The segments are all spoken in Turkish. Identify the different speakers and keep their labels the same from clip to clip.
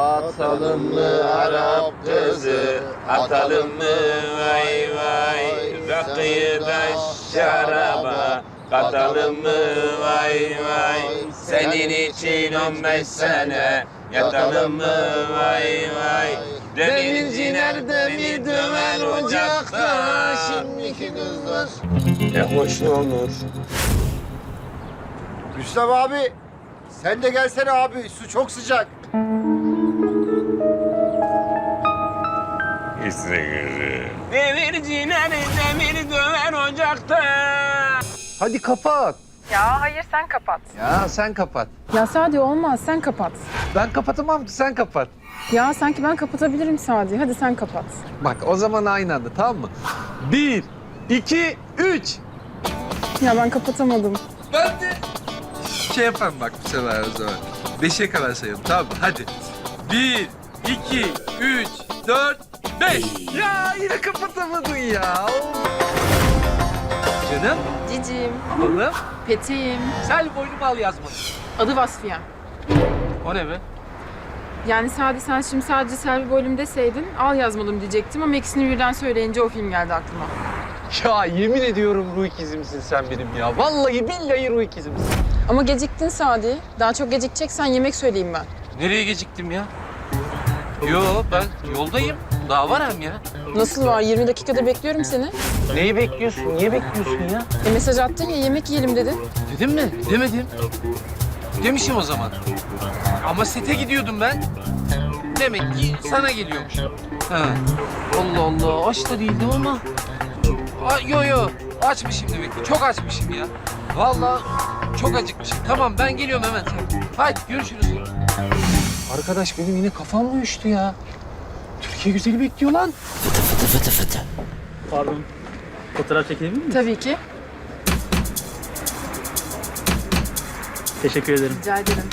Speaker 1: Atalım mı Arap kızı, atalım mı vay vay. Rakıyı da şaraba, katalım mı vay vay. Senin için 15 sene, yatalım mı vay vay. Demirci nerede mi döver ocakta, şimdiki kızlar. Ne hoş olur.
Speaker 2: Rüstem abi, sen de gelsene abi. Su çok sıcak.
Speaker 1: Demirci nerede mi döver ocakta.
Speaker 3: Hadi kapat.
Speaker 4: Ya hayır sen kapat.
Speaker 3: Ya sen kapat.
Speaker 4: Ya Sadi olmaz sen kapat.
Speaker 3: Ben kapatamam ki sen kapat.
Speaker 4: Ya sanki ben kapatabilirim Sadi. Hadi sen kapat.
Speaker 3: Bak o zaman aynı anda tamam mı? 1, 2, 3.
Speaker 4: Ya ben kapatamadım.
Speaker 3: Ben de şey yaparım bak bu sefer o zaman. 5'e kadar sayalım tamam mı? Hadi. 1, 2, 3, 4, 5. Ya yine kapatamadın ya. Canım,
Speaker 4: Cicim,
Speaker 3: oğlum.
Speaker 4: Peteğim.
Speaker 3: Sen boynumu al yazmadın.
Speaker 4: Adı Vasfiye.
Speaker 3: O ne be?
Speaker 4: Yani Sadi sen şimdi sadece Selvi Boylum deseydin al yazmalım diyecektim ama ikisini birden söyleyince o film geldi aklıma.
Speaker 3: Ya yemin ediyorum ruh ikizimsin sen benim ya. Vallahi billahi ruh ikizimsin.
Speaker 4: Ama geciktin Sadi. Daha çok gecikeceksen yemek söyleyeyim ben.
Speaker 5: Nereye geciktim ya? Yo ben yoldayım. Daha var hem ya.
Speaker 4: Nasıl var? 20 dakikada bekliyorum seni.
Speaker 5: Neyi bekliyorsun? Niye bekliyorsun ya?
Speaker 4: Mesaj attın ya yemek yiyelim dedin.
Speaker 5: Dedim mi? Demedim. Demişim o zaman. Ama sete gidiyordum ben. Demek ki sana geliyormuş. Ha. Allah Allah aç da değildim ama. Yo açmışım demek ki. Çok açmışım ya. Vallahi çok acıkmışım. Tamam ben geliyorum hemen. Hadi görüşürüz. Arkadaş benim yine kafam mı uyuştu ya? Türkiye güzeli bekliyor lan.
Speaker 6: Pardon. Fotoğraf çekebilir miyim?
Speaker 4: Tabii ki.
Speaker 6: Teşekkür ederim.
Speaker 4: Rica ederim.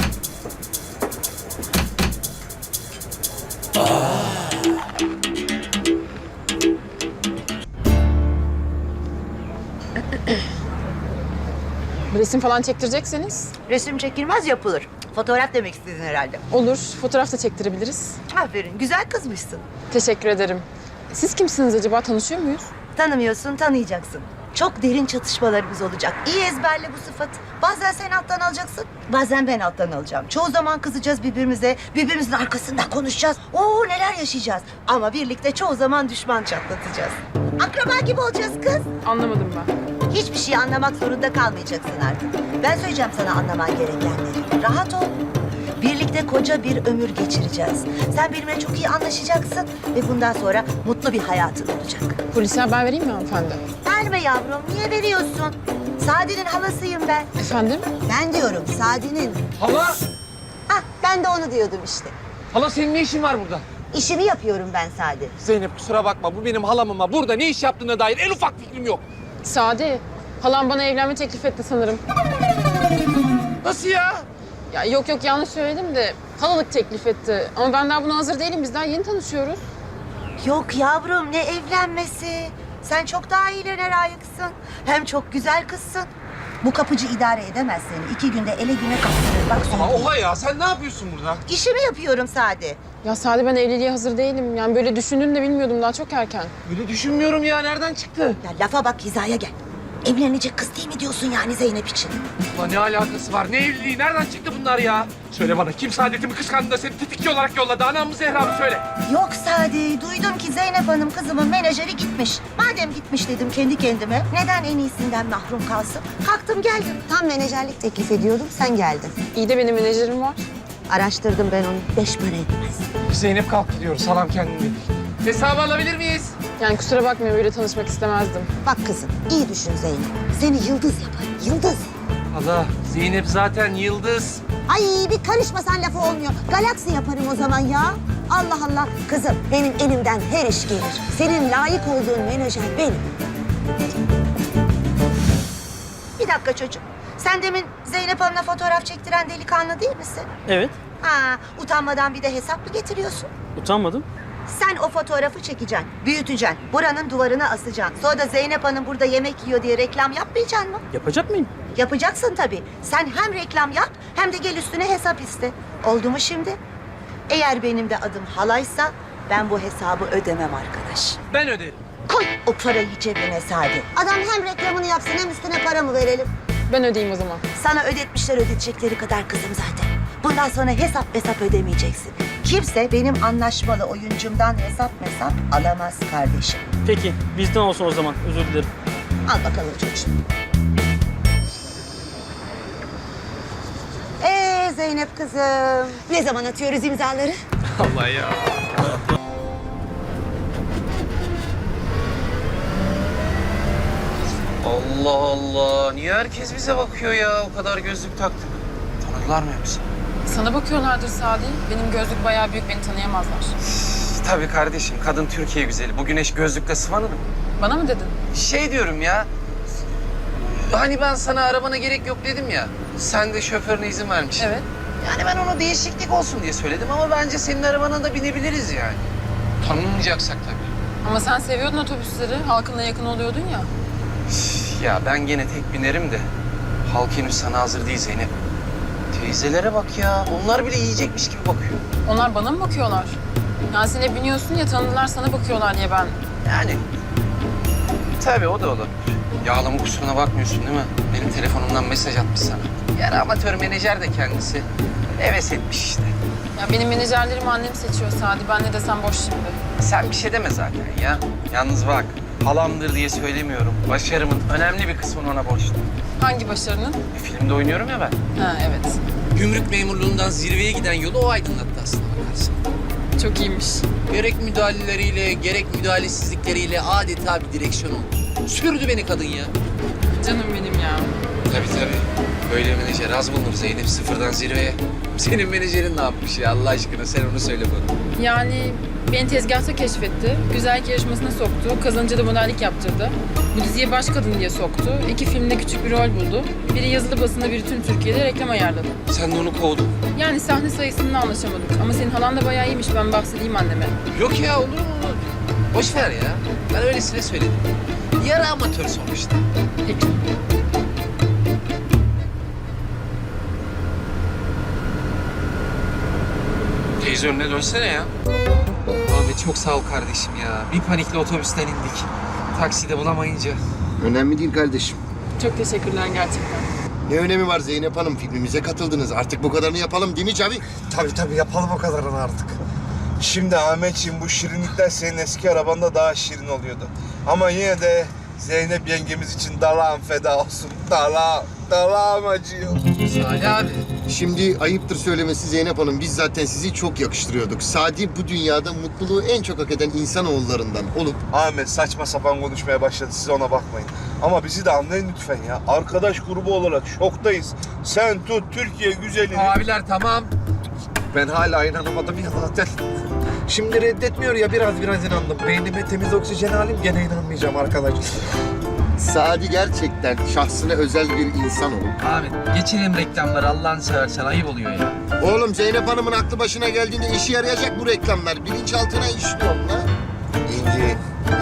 Speaker 4: Resim falan çektirecekseniz
Speaker 7: Resim çekilmez yapılır. Fotoğraf demek istedin herhalde.
Speaker 4: olur. Fotoğraf da çektirebiliriz.
Speaker 7: Aferin, güzel kızmışsın.
Speaker 4: Teşekkür ederim. Siz kimsiniz acaba? Tanışıyor muyuz?
Speaker 7: Tanımıyorsun, tanıyacaksın. Çok derin çatışmalarımız olacak. İyi ezberle bu sıfatı. Bazen sen alttan alacaksın, bazen ben alttan alacağım. Çoğu zaman kızacağız birbirimize, birbirimizin arkasından konuşacağız. Oo neler yaşayacağız. Ama birlikte çoğu zaman düşman çatlatacağız. Akraba gibi olacağız kız.
Speaker 4: Anlamadım ben.
Speaker 7: Hiçbir şey anlamak zorunda kalmayacaksın artık. Ben söyleyeceğim sana anlaman gerekenleri. Rahat ol. Birlikte koca bir ömür geçireceğiz. Sen benimle çok iyi anlaşacaksın ve bundan sonra mutlu bir hayatın olacak.
Speaker 4: Polise haber vereyim mi hanımefendi?
Speaker 7: Verme yavrum, niye veriyorsun? Sadi'nin halasıyım ben.
Speaker 4: Efendim?
Speaker 7: Ben diyorum Sadi'nin.
Speaker 5: Hala!
Speaker 7: Hah, ben de onu diyordum işte.
Speaker 5: Hala senin ne işin var burada?
Speaker 7: İşimi yapıyorum ben Sadi.
Speaker 5: Zeynep kusura bakma bu benim halam ama burada ne iş yaptığına dair en ufak fikrim yok.
Speaker 4: Sadi, halam bana evlenme teklif etti sanırım.
Speaker 5: Nasıl ya?
Speaker 4: Ya yok yanlış söyledim de halalık teklif etti. Ama ben daha buna hazır değilim. Biz daha yeni tanışıyoruz.
Speaker 7: Yok yavrum, ne evlenmesi? Sen çok daha iyilere layıksın. Hem çok güzel kızsın. Bu kapıcı idare edemez seni. 2 günde ele güne kaptırır. Bak
Speaker 5: Ama
Speaker 7: söyleyeyim.
Speaker 5: oha ya sen ne yapıyorsun burada?
Speaker 7: İşimi yapıyorum Sadi.
Speaker 4: Ya Sadi ben evliliğe hazır değilim. Yani böyle düşündüğünü de bilmiyordum. Daha çok erken.
Speaker 5: Öyle düşünmüyorum ya nereden çıktı?
Speaker 7: Ya lafa bak, hizaya gel. Evlenecek kız değil mi diyorsun yani Zeynep için?
Speaker 5: Ulan ne alakası var? Ne evliliği? Nereden çıktı bunlar ya? Söyle bana kim saadetimi kıskandı da seni tetikçi olarak yolladı? Anam mı Zehra mı söyle.
Speaker 7: Yok Sadi, duydum ki Zeynep Hanım kızımın menajeri gitmiş. Madem gitmiş dedim kendi kendime, neden en iyisinden mahrum kalsın? Kalktım geldim. Tam menajerlik teklif ediyordum, sen geldin.
Speaker 4: İyi de benim menajerim var.
Speaker 7: Araştırdım ben onu, 5 para etmez.
Speaker 5: Zeynep kalk gidiyoruz. Salam kendini. Hesabı alabilir miyiz?
Speaker 4: Yani kusura bakmayın böyle tanışmak istemezdim.
Speaker 7: Bak kızım, iyi düşün Zeynep. Seni yıldız yaparım, yıldız.
Speaker 5: Allah Zeynep zaten yıldız.
Speaker 7: Ay bir karışmasan lafı olmuyor. Galaksi yaparım o zaman ya. Allah Allah. Kızım benim elimden her iş gelir. Senin layık olduğun menajer benim. Bir dakika çocuğum. Sen demin Zeynep Hanım'la fotoğraf çektiren delikanlı değil misin?
Speaker 6: Evet.
Speaker 7: Ha, utanmadan bir de hesap mı getiriyorsun?
Speaker 6: Utanmadım.
Speaker 7: Sen o fotoğrafı çekeceksin, büyüteceksin, buranın duvarına asacaksın. Sonra da Zeynep Hanım burada yemek yiyor diye reklam yapmayacaksın mı?
Speaker 6: Yapacak mıyım?
Speaker 7: Yapacaksın tabii. Sen hem reklam yap hem de gel üstüne hesap iste. Oldu mu şimdi? Eğer benim de adım halaysa ben bu hesabı ödemem arkadaş.
Speaker 5: Ben öderim.
Speaker 7: Koy o parayı cebine Sadi. Adam hem reklamını yapsın hem üstüne para mı verelim?
Speaker 4: Ben ödeyeyim o zaman.
Speaker 7: Sana ödetmişler ödetecekleri kadar kızım zaten. Bundan sonra hesap ödemeyeceksin. Kimse benim anlaşmalı oyuncumdan hesap alamaz kardeşim.
Speaker 6: Peki bizden olsun o zaman. Özür dilerim.
Speaker 7: Al bakalım çocuğum. Zeynep kızım. Ne zaman atıyoruz imzaları?
Speaker 5: Allah ya. Allah Allah. Niye herkes bize bakıyor ya? O kadar gözlük taktık. Tanırlar mı yoksa?
Speaker 4: Sana bakıyorlardır Sadi. Benim gözlük bayağı büyük, beni tanıyamazlar.
Speaker 5: Tabii kardeşim. Kadın Türkiye güzeli. Bu güneş gözlükle sıvanır mı?
Speaker 4: Bana mı dedin?
Speaker 5: Şey diyorum ya. Hani ben sana arabana gerek yok dedim ya. Sen de şoförüne izin vermişsin.
Speaker 4: Evet.
Speaker 5: Yani ben ona değişiklik olsun diye söyledim ama bence senin arabana da binebiliriz yani. Tanınmayacaksak tabii.
Speaker 4: Ama sen seviyordun otobüsleri. Halkınla yakın oluyordun ya.
Speaker 5: Ya ben gene tek binerim de halk henüz sana hazır değil Zeynep. Teyzelere bak ya. Onlar bile yiyecekmiş gibi bakıyor.
Speaker 4: Onlar bana mı bakıyorlar? Yani sen hep biniyorsun ya, tanıdılar sana bakıyorlar diye ben.
Speaker 5: Yani tabii o da olur. Yağlama kusuruna bakmıyorsun değil mi? Benim telefonumdan mesaj atmış sana. Yani amatör menajer de kendisi. Heves etmiş işte.
Speaker 4: Ya benim menajerlerimi annem seçiyor Sadi. Ben ne desem boş şimdi.
Speaker 5: Sen bir şey deme zaten ya. Yalnız bak, halamdır diye söylemiyorum. Başarımın önemli bir kısmını ona borçluyum.
Speaker 4: Hangi başarının?
Speaker 5: Bir filmde oynuyorum ya ben.
Speaker 4: Ha evet.
Speaker 5: Gümrük memurluğundan zirveye giden yolu o aydınlattı aslında bakarsın.
Speaker 4: Çok iyiymiş.
Speaker 5: Gerek müdahaleleriyle, gerek müdahalesizlikleriyle adeta bir direksiyon oldu. Sürdü beni kadın ya.
Speaker 4: Canım benim ya.
Speaker 5: Tabii. Böyle menajer az bulunur Zeynep, sıfırdan zirveye. Senin menajerin ne yapmış ya Allah aşkına? Sen onu söyle bana.
Speaker 4: Yani beni tezgahta keşfetti. Güzellik yarışmasına soktu. Kazanınca da modellik yaptırdı. Bu diziye baş kadın diye soktu. 2 filmde küçük bir rol buldu. Biri yazılı basında, biri tüm Türkiye'de reklam ayarladı.
Speaker 5: Sen de onu kovdun.
Speaker 4: Yani sahne sayısını anlaşamadık. Ama senin halan da bayağı iyiymiş. Ben bahsedeyim anneme.
Speaker 5: Yok ya olur mu? Boş ver ya. Ben öylesine söyledim. Yarı amatör sonuçta.
Speaker 4: Peki.
Speaker 5: Teyze önüne dönsene ya. Abi çok sağ ol kardeşim ya. Bir panikle otobüsten indik. Takside bulamayınca.
Speaker 2: Önemli değil kardeşim.
Speaker 4: Çok teşekkürler gerçekten.
Speaker 2: Ne önemi var Zeynep Hanım? Filmimize katıldınız. Artık bu kadarını yapalım değil mi Cavi?
Speaker 8: Tabii yapalım o kadarını artık. Şimdi Ahmetciğim bu şirinlikler senin eski arabanda daha şirin oluyordu. Ama yine de Zeynep yengemiz için dalağım feda olsun. Dalağım acıyor.
Speaker 5: Salih abi.
Speaker 2: Şimdi ayıptır söylemesi Zeynep Hanım. Biz zaten sizi çok yakıştırıyorduk. Sadi bu dünyada mutluluğu en çok hak eden insanoğullarından olup...
Speaker 8: Ahmet saçma sapan konuşmaya başladı, siz ona bakmayın. Ama bizi de anlayın lütfen ya. Arkadaş grubu olarak şoktayız. Sen tut Türkiye güzelini.
Speaker 5: Abiler tamam.
Speaker 8: Ben hala inanamadım ya zaten. Şimdi reddetmiyor ya biraz inandım. Beynime temiz oksijen alayım gene inanmayacağım arkadaşlar.
Speaker 2: Sadi gerçekten şahsına özel bir insan olup...
Speaker 5: Ahmet geçelim reklamları Allah'ını seversen ayıp oluyor ya.
Speaker 2: Oğlum Zeynep Hanım'ın aklı başına geldiğinde işe yarayacak bu reklamlar. Bilinçaltına işliyor lan.
Speaker 8: Yenge.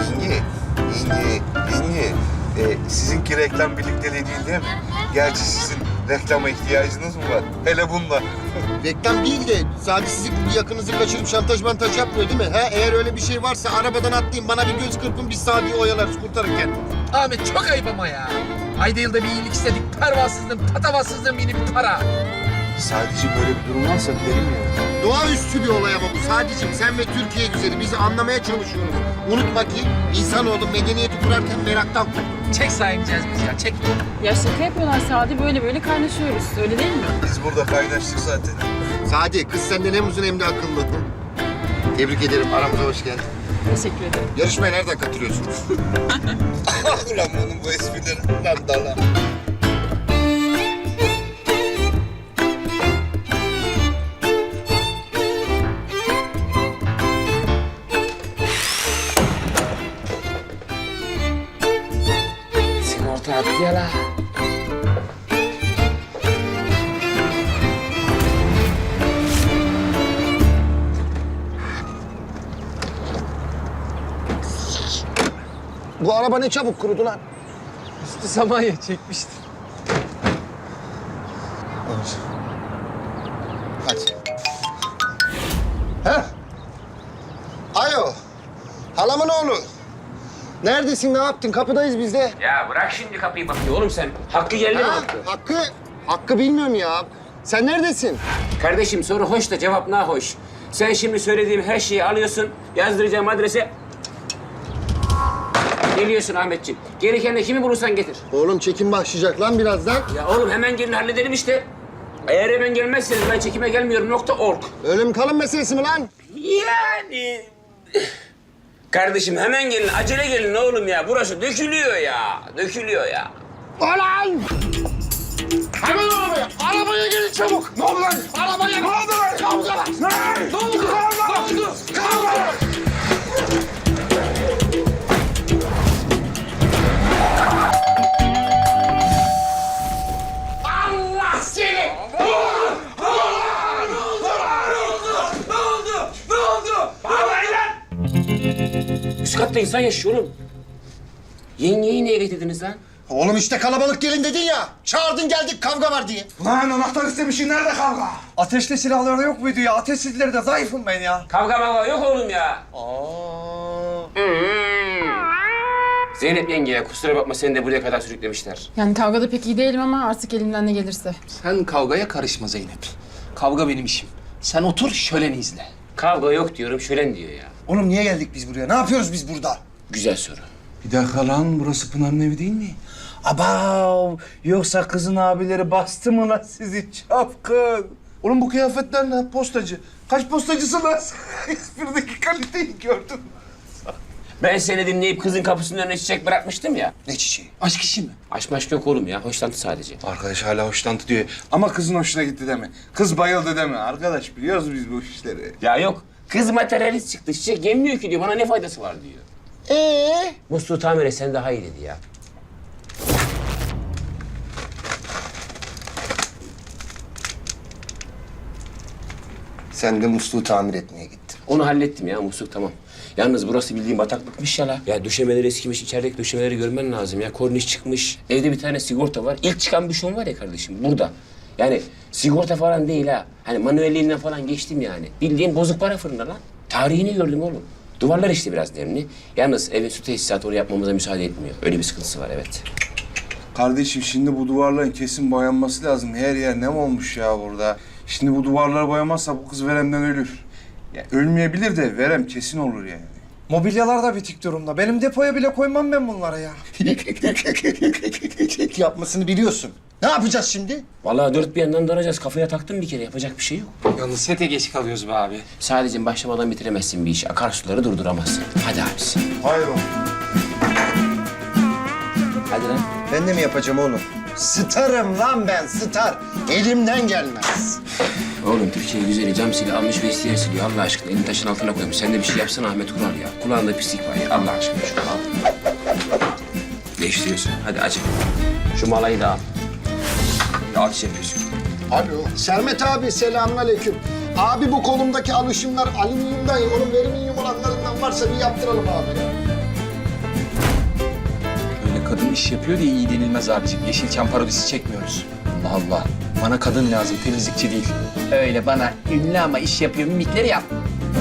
Speaker 8: Sizinki reklam birlikteliği değil mi? Gerçi sizin reklama ihtiyacınız mı var? Hele bunda.
Speaker 2: Reklam değil de Sadi sizi bir yakınızı kaçırıp şantaj mantaj yapmıyor değil mi? Ha? Eğer öyle bir şey varsa arabadan atlayın, bana bir göz kırpın, biz Sadi'yi oyalarız, kurtarırken.
Speaker 5: Ahmet çok ayıp ama ya. Ayda yılda bir iyilik istedik. Pervasızlığım, patavatsızlığım yeni bir para.
Speaker 8: Sadece böyle bir durum varsa derim ya.
Speaker 2: Doğaüstü bir olay ama bu. Sadece sen ve Türkiye güzeli bizi anlamaya çalışıyoruz. Unutma ki insanoğlu medeniyeti kurarken meraktan kurdu.
Speaker 5: Çek sahipeceğiz biz ya, çek.
Speaker 4: Ya şaka yapıyorlar Sadi. Böyle kaynaşıyoruz. Öyle değil mi?
Speaker 8: Biz burada kaynaştık zaten.
Speaker 2: Sadi, kız senden hem uzun hem de akıllı. Tebrik ederim, aramıza hoş geldin.
Speaker 4: Teşekkür ederim.
Speaker 2: Yarışmaya nereden katılıyorsunuz?
Speaker 8: Ulan bunun bu esprileri lan dala.
Speaker 5: Sigorta attı ya la.
Speaker 8: Bu araba ne çabuk kurudu lan.
Speaker 5: Üstü Samanya çekmişti.
Speaker 2: Hadi. Heh. Alo. Halamın oğlu. Neredesin, ne yaptın? Kapıdayız biz de.
Speaker 1: Ya bırak şimdi kapıyı bakıyor oğlum sen. Hakkı geldi mi
Speaker 2: Ha,
Speaker 1: Hakkı?
Speaker 2: Hakkı bilmiyorum ya. Sen neredesin?
Speaker 1: Kardeşim soru hoş da cevap nahoş. Sen şimdi söylediğim her şeyi alıyorsun, yazdıracağım adrese. Geliyorsun Ahmetciğim. Gereken de kimi bulursan getir.
Speaker 2: Oğlum çekim başlayacak lan birazdan.
Speaker 1: Ya oğlum hemen gelin halledelim işte. Eğer hemen gelmezseniz ben çekime gelmiyorum .org.
Speaker 2: Ölüm kalım meselesi mi lan?
Speaker 1: Yani... Kardeşim hemen gelin, acele gelin oğlum ya. Burası dökülüyor ya, dökülüyor ya.
Speaker 2: Ulan! Hemen arabaya! Arabaya gelin çabuk! Ne oldu lan? Arabaya! Ne oldu lan? Kavga! Ne oldu? Kavga! Ne oldu? Kavga! Allah seni!
Speaker 1: Üst katta insan yaşıyor oğlum. Yengeyi niye getirdiniz lan?
Speaker 2: Oğlum işte kalabalık gelin dedin ya. Çağırdın geldik kavga var diye.
Speaker 8: Lan anahtar istemişsin, nerede kavga?
Speaker 5: Ateşli silahları yok muydu ya? Ateşsizleri de zayıfım ben ya.
Speaker 1: Kavga mavga yok oğlum ya. Zeynep yengeye kusura bakma seni de buraya kadar sürüklemişler.
Speaker 4: Yani kavgada pek iyi değilim ama artık elimden ne gelirse.
Speaker 5: Sen kavgaya karışma Zeynep. Kavga benim işim. Sen otur şöleni izle.
Speaker 1: Kavga yok diyorum şölen diyor ya.
Speaker 2: Oğlum niye geldik biz buraya? Ne yapıyoruz biz burada?
Speaker 1: Güzel soru.
Speaker 8: Bir dakika lan, burası Pınar'ın evi değil mi?
Speaker 5: Abav! Yoksa kızın abileri bastı mı lan sizi çapkın?
Speaker 8: Oğlum bu kıyafetler ne? Postacı. Kaç postacısın lan? Hiçbirdeki kaliteyi gördün.
Speaker 1: Ben seni dinleyip kızın kapısının önüne çiçek bırakmıştım ya.
Speaker 2: Ne çiçeği?
Speaker 5: Aşk işi mi?
Speaker 1: Aşk maşk yok oğlum ya. Hoşlantı sadece.
Speaker 8: Arkadaş hala hoşlantı diyor. Ama kızın hoşuna gitti deme. Kız bayıldı deme. Arkadaş biliyoruz biz bu işleri.
Speaker 1: Ya yok. Kız materyalist çıktı. Çiçek yemiyor ki diyor. Bana ne faydası var diyor. Musluğu tamir etsen daha iyi dedi ya.
Speaker 2: Sen de musluğu tamir etmeye gittin.
Speaker 1: Onu hallettim ya musluk tamam. Yalnız burası bildiğin bataklıkmış ya la. Ya döşemeleri eskimiş, içerideki döşemeleri görmen lazım ya. Korniş çıkmış. Evde bir tane sigorta var. İlk çıkan büşon var ya kardeşim burada. Yani sigorta falan değil ha. Hani manuelliğinden falan geçtim yani. Bildiğin bozuk para fırında lan. Tarihini gördüm oğlum. Duvarlar işte biraz nemli. Yalnız evin su tesisatı oraya yapmamıza müsaade etmiyor. Öyle bir sıkıntısı var evet.
Speaker 8: Kardeşim şimdi bu duvarların kesin boyanması lazım. Her yer nem olmuş ya burada. Şimdi bu duvarları boyamazsa bu kız veremden ölür. Ya ölmeyebilir de verem kesin olur yani.
Speaker 5: Mobilyalar da bitik durumda. Benim depoya bile koymam ben bunlara ya.
Speaker 2: Yapmasını biliyorsun. Ne yapacağız şimdi?
Speaker 1: Vallahi dört bir yandan daracağız. Kafaya taktım bir kere. Yapacak bir şey yok.
Speaker 5: Yalnız sete geç kalıyoruz be abi.
Speaker 1: Sadece başlamadan bitiremezsin bir işi. Akarsuları durduramazsın. Hadi abisi.
Speaker 8: Hayır oğlum.
Speaker 1: Hadi lan.
Speaker 2: Ben de mi yapacağım oğlum? Starım lan ben, star. Elimden gelmez.
Speaker 1: Oğlum Türkiye güzeli cam sili almış ve isteyen siliyor. Allah aşkına elini taşın altına koymuş. Sen de bir şey yapsana Ahmet Kural ya. Kulağında pislik var ya. Allah aşkına şunu al. Değiştiriyorsun. Hadi acı. Şu malayı da al. Alçı yapıyorsun.
Speaker 2: Alo. Sermet abi selamünaleyküm. Abi bu kolumdaki alışımlar alüminyumdan, onun veriminyum olanlarından varsa bir yaptıralım abi ya.
Speaker 5: Öyle kadın iş yapıyor diye iyi denilmez abiciğim. Yeşilçam parodisi çekmiyoruz. Allah Allah. Bana kadın lazım, temizlikçi değil. Öyle bana ünlü ama iş yapıyor mimikleri yap.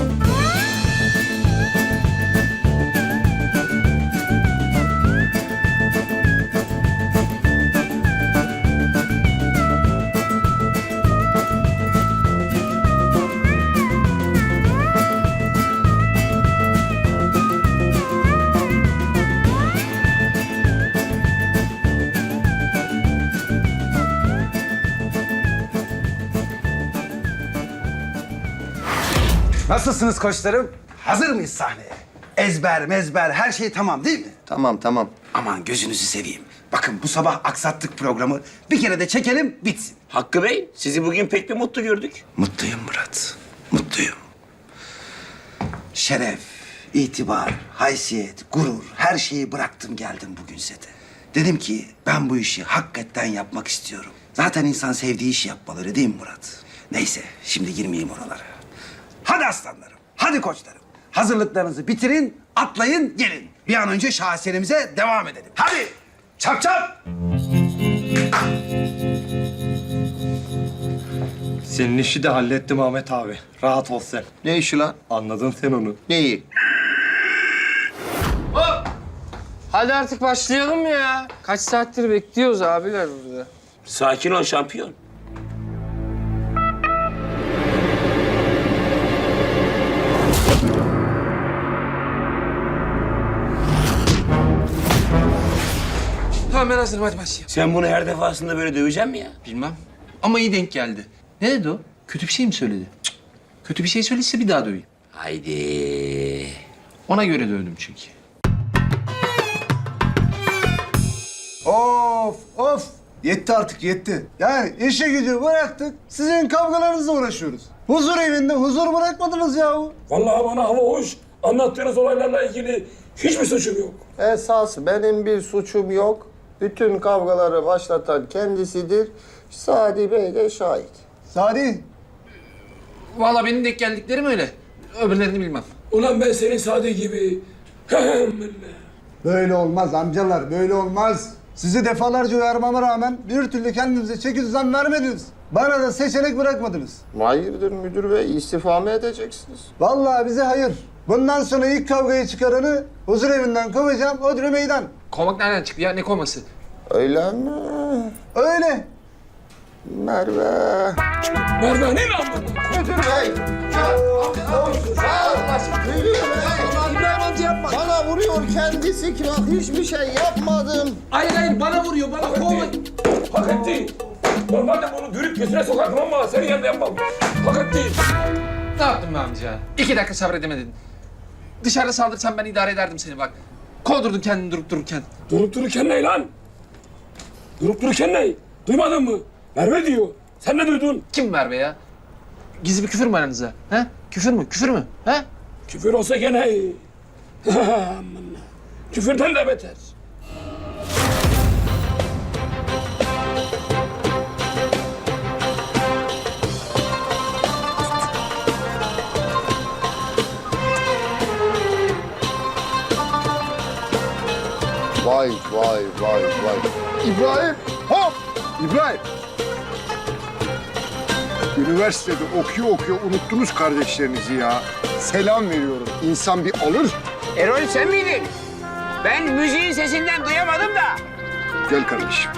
Speaker 9: Nasılsınız koçlarım? Hazır mıyız sahneye? Ezber, mezber, her şey tamam değil mi?
Speaker 2: Tamam.
Speaker 9: Aman gözünüzü seveyim. Bakın bu sabah aksattık programı. Bir kere de çekelim, bitsin.
Speaker 1: Hakkı Bey, sizi bugün pek bir mutlu gördük.
Speaker 9: Mutluyum Murat, mutluyum. Şeref, itibar, haysiyet, gurur, her şeyi bıraktım geldim bugün sete. Dedim ki ben bu işi hakikaten yapmak istiyorum. Zaten insan sevdiği işi yapmalı öyle değil mi Murat? Neyse, şimdi girmeyeyim oralara. Hadi aslanlarım, hadi koçlarım. Hazırlıklarınızı bitirin, atlayın, gelin. Bir an önce şaheserimize devam edelim. Hadi, çap çap.
Speaker 10: Senin işi de hallettim Ahmet abi. Rahat ol sen.
Speaker 9: Ne işi lan?
Speaker 10: Anladın sen onu.
Speaker 9: Neyi?
Speaker 5: Hadi artık başlayalım ya. Kaç saattir bekliyoruz abiler burada.
Speaker 1: Sakin ol şampiyon.
Speaker 5: Tamam ben hazırım hadi başlayalım.
Speaker 1: Sen bunu her defasında böyle döveceksin mi ya?
Speaker 5: Bilmem. Ama iyi denk geldi. Ne dedi o? Kötü bir şey mi söyledi? Cık. Kötü bir şey söylese bir daha döveyim.
Speaker 1: Haydi.
Speaker 5: Ona göre dövdüm çünkü.
Speaker 8: Of. Yetti artık yetti. Yani işe gücü bıraktık. Sizin kavgalarınızla uğraşıyoruz. Huzur evinde huzur bırakmadınız yahu.
Speaker 11: Vallahi bana hava hoş. Anlattığınız olaylarla ilgili hiçbir suçum yok.
Speaker 8: Esas benim bir suçum yok. Bütün kavgaları başlatan kendisidir. Sadi Bey de şahit. Sadi.
Speaker 5: Vallahi benim denk geldiklerim öyle. Öbürlerini bilmem.
Speaker 11: Ulan ben senin Sadi gibi...
Speaker 8: Böyle olmaz amcalar, böyle olmaz. Sizi defalarca uyarmama rağmen bir türlü kendinize çeki düzen vermediniz. Bana da seçenek bırakmadınız.
Speaker 12: Hayırdır müdür bey, istifa mı edeceksiniz?
Speaker 8: Vallahi bize hayır. Bundan sonra ilk kavgayı çıkaranı huzur evinden kovacağım, Odri meydan.
Speaker 5: Kovmak nereden çıktı ya? Ne kovması?
Speaker 12: Öyle mi?
Speaker 8: Öyle.
Speaker 12: Merve.
Speaker 11: Merve ne lan bu?
Speaker 12: Müdür bey. İbrahim amca yapma. Bana vuruyor kendisi ki bak hiçbir şey yapmadım.
Speaker 5: Hayır bana vuruyor bana kovma.
Speaker 11: Hak etti. Normalde bunu dürüp gözüne sokardım ama senin yanında yapmam. Hak etti.
Speaker 5: Ne yaptın be amca? 2 dakika sabredemedin. Dışarıda saldırsan ben idare ederdim seni bak. Kovdurdun kendini durup dururken.
Speaker 11: Durup dururken ne lan? Durup dururken ne? Duymadın mı? Merve diyor. Sen ne duydun?
Speaker 5: Kim Merve ya? Gizli bir küfür mü aranızda? He? Küfür mü? Küfür mü? He?
Speaker 11: Küfür olsa gene iyi. Aman. Küfürden de beter.
Speaker 12: Vay. İbrahim.
Speaker 8: Hop! İbrahim. Üniversitede okuyor unuttunuz kardeşlerinizi ya. Selam veriyorum. İnsan bir alır.
Speaker 1: Erol sen miydin? Ben müziğin sesinden duyamadım da.
Speaker 8: Gel kardeşim.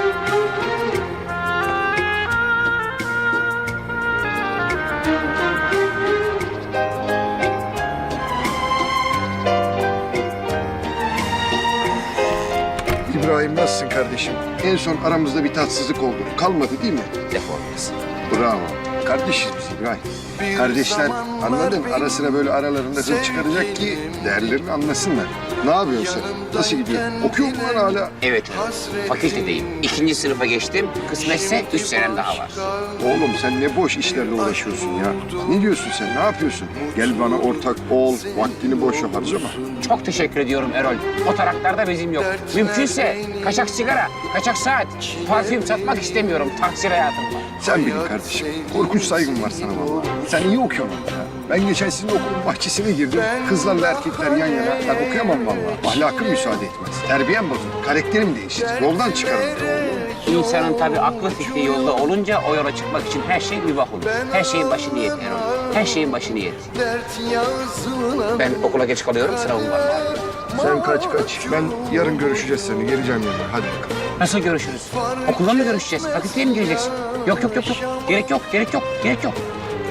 Speaker 8: İbrahim nasılsın kardeşim? En son aramızda bir tatsızlık oldu. Kalmadı değil mi?
Speaker 1: Defolmasın.
Speaker 8: Bravo. Kardeşiz biz İbrahim. Kardeşler anladın? Ara sıra böyle aralarında hır çıkaracak ki değerlerini anlasınlar. Ne yapıyorsun sen? Nasıl gidiyor? Okuyor mu lan hala?
Speaker 1: Evet fakültedeyim. 2. sınıfa geçtim. Kısmetse 3 senem daha var.
Speaker 8: Oğlum sen ne boş işlerle uğraşıyorsun ya. Ne diyorsun sen? Ne yapıyorsun? Gel bana ortak ol. Vaktini boşa harcama.
Speaker 1: Çok teşekkür ediyorum Erol. O taraklarda bezim yok. Mümkünse kaçak sigara, kaçak saat, parfüm satmak istemiyorum. Taksir hayatım var.
Speaker 8: Sen bilin kardeşim. Korkunç saygım var sana vallahi. Sen iyi okuyorsun ya. Ben geçen sizin okulun bahçesine girdim. Kızlarla erkekler yan yana. Ben okuyamam vallahi. Ahlakım müsaade etmez. Terbiyem bozulur. Karakterim değişir. Yoldan çıkarım.
Speaker 1: İnsanın tabii aklı fikri yolda olunca o yola çıkmak için her şey mübah olur. Her şeyin başı niyet Erol. Her şeyin başı niyet. Ben okula geç kalıyorum. Sınavım var malum.
Speaker 8: Sen kaç. Ben yarın görüşeceğiz seninle. Geleceğim yanına. Hadi bakalım.
Speaker 1: Nasıl görüşürüz? Okulda mı görüşeceğiz? Fakülteye mi gireceksin? Yok. Gerek yok.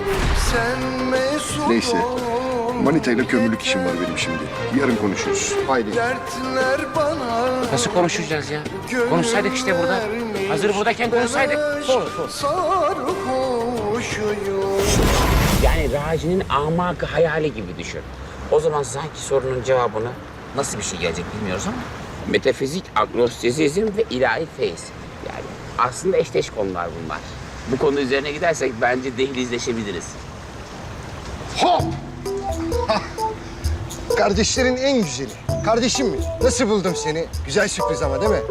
Speaker 8: Neyse. Manita ile kömürlük işim var benim şimdi. Yarın konuşuruz. Haydi.
Speaker 1: Nasıl konuşacağız ya? Konuşsaydık işte burada. Hazır buradayken konuşsaydık. Sor. Yani Raci'nin amakı hayali gibi düşün. O zaman sanki sorunun cevabını nasıl bir şey gelecek bilmiyoruz ama metafizik, agnostizizm ve ilahi feyiz. Yani aslında eşdeş konular bunlar. Bu konu üzerine gidersek bence dehlizleşebiliriz.
Speaker 8: Hop! Kardeşlerin en güzeli. Kardeşim mi? Nasıl buldum seni? Güzel sürpriz ama değil mi?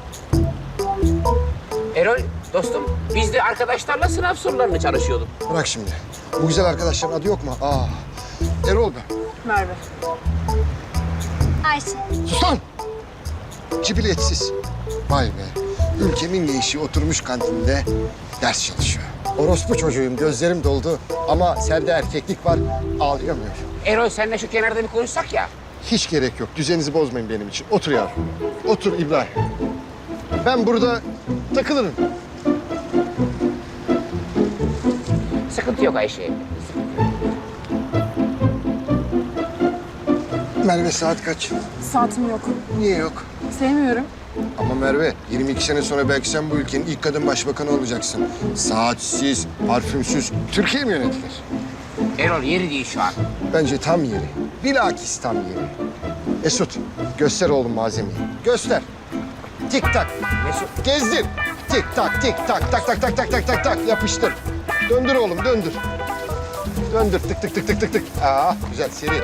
Speaker 1: Erol dostum biz de arkadaşlarla sınav sorularını çalışıyorduk.
Speaker 8: Bırak şimdi. Bu güzel arkadaşların adı yok mu? Erol ben.
Speaker 4: Merve.
Speaker 13: Ayşe.
Speaker 8: Sus lan! Cibiletsiz. Vay be. Ülkemin gençliği oturmuş kantinde ders çalışıyor.
Speaker 12: Orospu çocuğuyum, gözlerim doldu. Ama sende erkeklik var, ağlayamıyorum.
Speaker 1: Erol senle şu kenarda bir konuşsak ya.
Speaker 12: Hiç gerek yok. Düzeninizi bozmayın benim için. Otur yavrum. Otur İbrahim. Ben burada takılırım.
Speaker 1: Sıkıntı yok Ayşe.
Speaker 12: Merve saat kaç?
Speaker 4: Saatim yok.
Speaker 12: Niye yok?
Speaker 4: Sevmiyorum.
Speaker 12: Ama Merve, 22 sene sonra belki sen bu ülkenin ilk kadın başbakanı olacaksın. Saatsiz, parfümsüz Türkiye mi yönetilir?
Speaker 1: Erol yeri değil şu an.
Speaker 12: Bence tam yeri. Bilakis tam yeri. Mesut, göster oğlum malzemeyi. Göster. Tik tak.
Speaker 1: Mesut.
Speaker 12: Gezdir. Tik tak, tik tak, tak tak tak tak tak tak tak. Yapıştır. Döndür oğlum, döndür. Döndür, tık tık tık tık tık tık. Güzel, seri.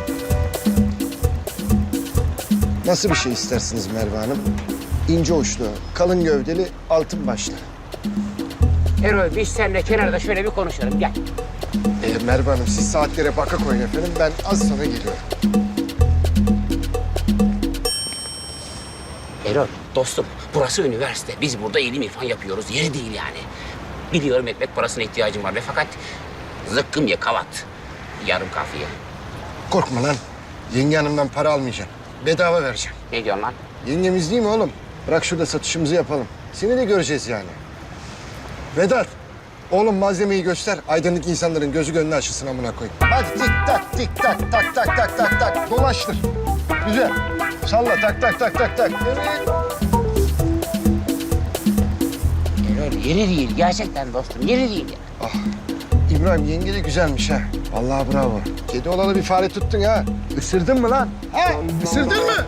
Speaker 12: Nasıl bir şey istersiniz Merve Hanım? İnce uçlu, kalın gövdeli, altın başlı.
Speaker 1: Erol biz seninle kenarda şöyle bir konuşalım gel.
Speaker 12: Merve Hanım, siz saatlere baka koyun efendim. Ben az sonra geliyorum.
Speaker 1: Erol dostum burası üniversite. Biz burada ilim irfan yapıyoruz. Yeri değil yani. Biliyorum ekmek parasına ihtiyacım var ve fakat zıkkım ye kavat. Yarım kafiye.
Speaker 12: Korkma lan. Yenge hanımdan para almayacağım. Bedava vereceğim.
Speaker 1: Ne diyorsun lan?
Speaker 12: Yengemiz değil mi oğlum? Bırak şurada satışımızı yapalım. Seni de göreceğiz yani. Vedat, oğlum malzemeyi göster. Aydınlık insanların gözü gönlü açılsın amına koyayım. Hadi tik tak, tik tak, tak tak tak tak tak. Dolaştır. Güzel. Salla tak tak tak tak tak. Evet.
Speaker 1: Erol yeri değil gerçekten dostum yeri değil ya.
Speaker 12: İbrahim yenge de güzelmiş ha. Vallahi bravo. Kedi olalı bir fare tuttun ha. Isırdın mı lan? Ha? Isırdın mı?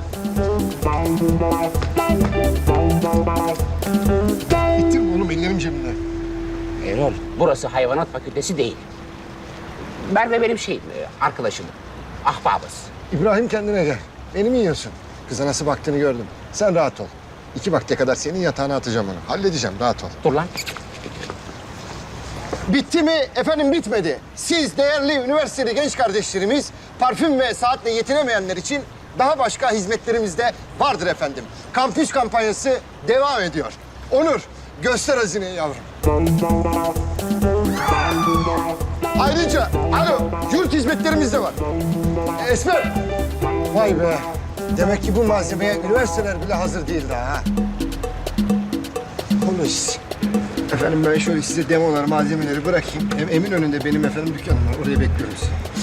Speaker 12: Bitti mi oğlum? Ellerim cebimde.
Speaker 1: Erol burası hayvanat fakültesi değil. Merve benim arkadaşım. Ahbabız.
Speaker 12: İbrahim kendine gel. Beni mi yiyorsun? Kıza nasıl baktığını gördüm. Sen rahat ol. 2 vakte kadar senin yatağına atacağım onu. Halledeceğim, rahat ol.
Speaker 1: Dur lan.
Speaker 12: Bitti mi? Efendim bitmedi. Siz değerli üniversiteli genç kardeşlerimiz parfüm ve saatle yetinemeyenler için daha başka hizmetlerimiz de vardır efendim. Kampüs kampanyası devam ediyor. Onur, göster hazineyi yavrum. Ayrıca, yurt hizmetlerimiz de var. Esmer. Vay be. Demek ki bu malzemeye üniversiteler bile hazır değil daha ha. Konuş. Efendim ben şöyle size demoları, malzemeleri bırakayım. Hem Eminönü'nde benim efendim dükkanım var. Oraya bekliyoruz.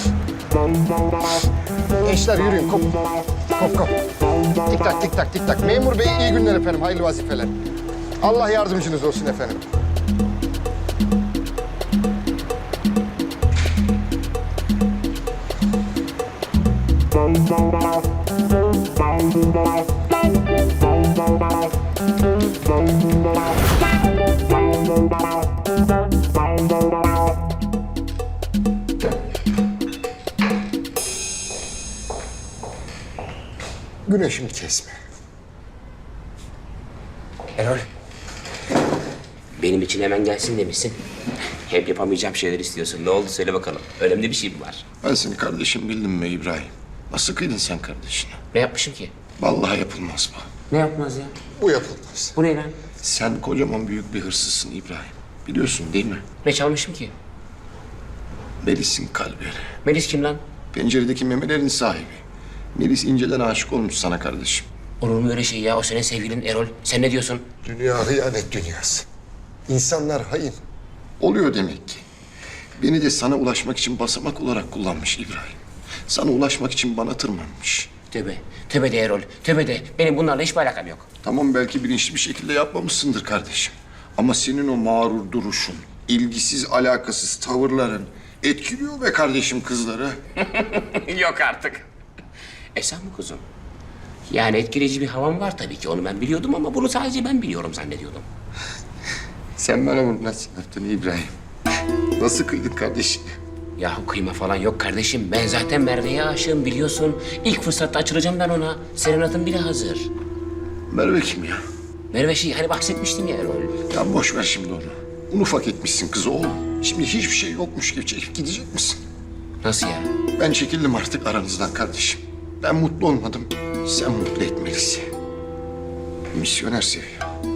Speaker 12: Gençler yürüyün. Kop. Kop kop. Tik tak tik tak tik tak. Memur bey iyi günler efendim. Hayırlı vazifeler. Allah yardımcınız olsun efendim. Güneşimi kesme.
Speaker 1: Erol. Benim için hemen gelsin demişsin. Hep yapamayacağım şeyler istiyorsun. Ne oldu söyle bakalım. Önemli bir şey mi var?
Speaker 8: Ben seni kardeşim bildim mi İbrahim? Nasıl kıydın sen kardeşine?
Speaker 1: Ne yapmışım ki?
Speaker 8: Vallahi yapılmaz bu.
Speaker 1: Ne yapmaz ya?
Speaker 8: Bu yapılmaz.
Speaker 1: Bu ne lan?
Speaker 8: Sen kocaman büyük bir hırsızsın İbrahim. Biliyorsun değil mi?
Speaker 1: Ne çalmışım ki?
Speaker 8: Melis'in kalbi.
Speaker 1: Melis kim lan?
Speaker 8: Penceredeki memelerin sahibi. Melis inceden aşık olmuş sana kardeşim.
Speaker 1: Olur mu öyle şey ya? O senin sevgilin Erol. Sen ne diyorsun?
Speaker 12: Dünya hıyanet dünyası. İnsanlar hain.
Speaker 8: Oluyor demek ki. Beni de sana ulaşmak için basamak olarak kullanmış İbrahim. Sana ulaşmak için bana tırmanmış.
Speaker 1: Tövbe. Tövbe de Erol. Tövbe de. Benim bunlarla hiçbir alakam yok.
Speaker 8: Tamam belki bilinçli bir şekilde yapmamışsındır kardeşim. Ama senin o mağrur duruşun, ilgisiz alakasız tavırların etkiliyor be kardeşim kızları.
Speaker 1: Yok artık. Sen mi kuzum? Yani etkileyici bir havam var tabii ki. Onu ben biliyordum ama bunu sadece ben biliyorum zannediyordum.
Speaker 8: Sen bana bunu nasıl yaptın İbrahim? Nasıl kıydın kardeşim?
Speaker 1: Yahu kıyma falan yok kardeşim. Ben zaten Merve'ye aşığım biliyorsun. İlk fırsatta açılacağım ben ona. Serenat'ın bile hazır.
Speaker 8: Merve kim ya?
Speaker 1: Merve hani bahsetmiştim ya Erol.
Speaker 8: Ya boş ver şimdi onu. Un ufak etmişsin kızı oğlum. Şimdi hiçbir şey yokmuş gibi çekip gidecek misin?
Speaker 1: Nasıl ya?
Speaker 8: Ben çekildim artık aranızdan kardeşim. Ben mutlu olmadım. Sen mutlu etmelisin. Misyoner seviyor.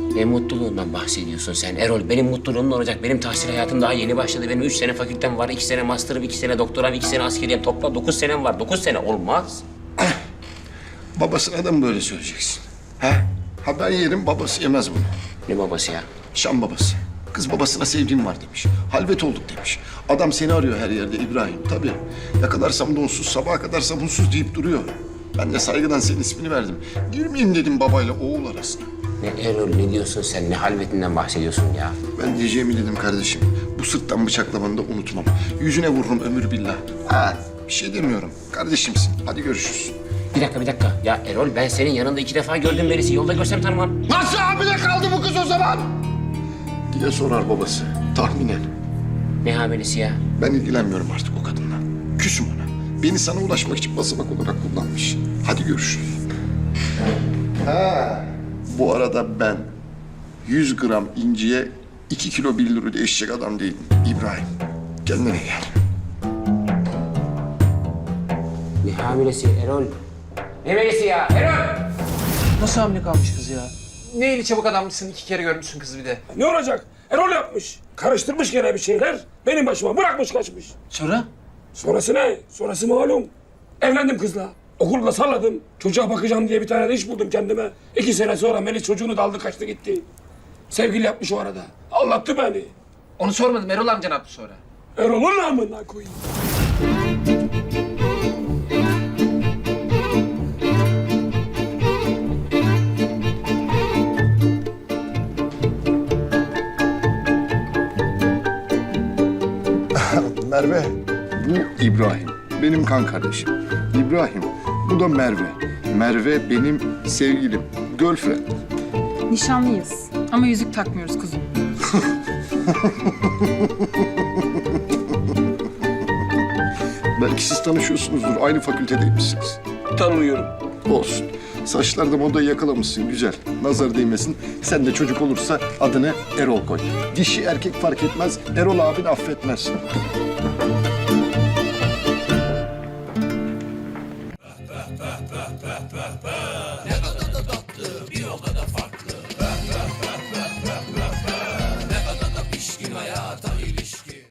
Speaker 1: Ne mutluluğundan bahsediyorsun sen Erol? Benim mutluluğum ne olacak? Benim tahsil hayatım daha yeni başladı. Benim 3 sene fakültem var, 2 sene master'ım, 2 sene doktoram, 2 sene askeriyem. Toplam 9 senem var. 9 sene olmaz.
Speaker 12: Babasına da mı böyle söyleyeceksin? He? Ha ben yerim, babası yemez bunu.
Speaker 1: Ne babası ya?
Speaker 12: Şam babası. Kız babasına sevdiğim var demiş. Halvet olduk demiş. Adam seni arıyor her yerde İbrahim. Tabii. Yakalarsam donsuz, sabaha kadar sabunsuz deyip duruyor. Ben de saygıdan senin ismini verdim. Girmeyeyim dedim babayla oğul arasına.
Speaker 1: Ne Erol, ne diyorsun sen? Ne halvetinden bahsediyorsun ya?
Speaker 12: Ben diyeceğimi dedim kardeşim. Bu sırttan bıçaklamanı da unutmam. Yüzüne vururum ömür billah. Ha, bir şey demiyorum. Kardeşimsin. Hadi görüşürüz.
Speaker 1: Bir dakika. Ya Erol, ben senin yanında 2 defa gördüm Melis'i. Yolda görsem tanımam.
Speaker 12: Nasıl hamile kaldı bu kız o zaman? Diye sorar babası. Tahminen.
Speaker 1: Ne hamilesi ya?
Speaker 12: Ben ilgilenmiyorum artık o kadınla. Küsüm ona. Beni sana ulaşmak için basamak olarak kullanmış. Hadi görüşürüz. Ha. Bu arada ben 100 gram inciye 2 kilo 1 lira değişecek adam değilim. İbrahim, kendine gel.
Speaker 1: Ne hamilesi Erol? Ne Melis'i ya Erol?
Speaker 5: Nasıl hamile kalmış kız ya? Ne eli çabuk adammışsın, 2 kere görmüşsün kızı bir de.
Speaker 11: Ne olacak? Erol yapmış. Karıştırmış gene bir şeyler. Benim başıma bırakmış kaçmış.
Speaker 5: Sonra?
Speaker 11: Sonrası ne? Sonrası malum. Evlendim kızla. Okulda salladım. Çocuğa bakacağım diye bir tane de iş buldum kendime. 2 sene sonra Melis çocuğunu da aldı kaçtı gitti. Sevgili yapmış o arada. Anlattı beni.
Speaker 5: Onu sormadım, Erol amca ne yaptı sonra?
Speaker 11: Erol'un namına koyayım.
Speaker 12: Merve, bu İbrahim. Benim kan kardeşim. İbrahim, bu da Merve. Merve benim sevgilim, girlfriend.
Speaker 4: Nişanlıyız ama yüzük takmıyoruz kuzum.
Speaker 12: Belki siz tanışıyorsunuzdur, aynı fakültedeymişsiniz.
Speaker 11: Tanımıyorum.
Speaker 12: Olsun. Saçlarda modayı yakalamışsın, güzel. Nazar değmesin. Sen de çocuk olursa adını Erol koy. Dişi erkek fark etmez, Erol abin affetmez.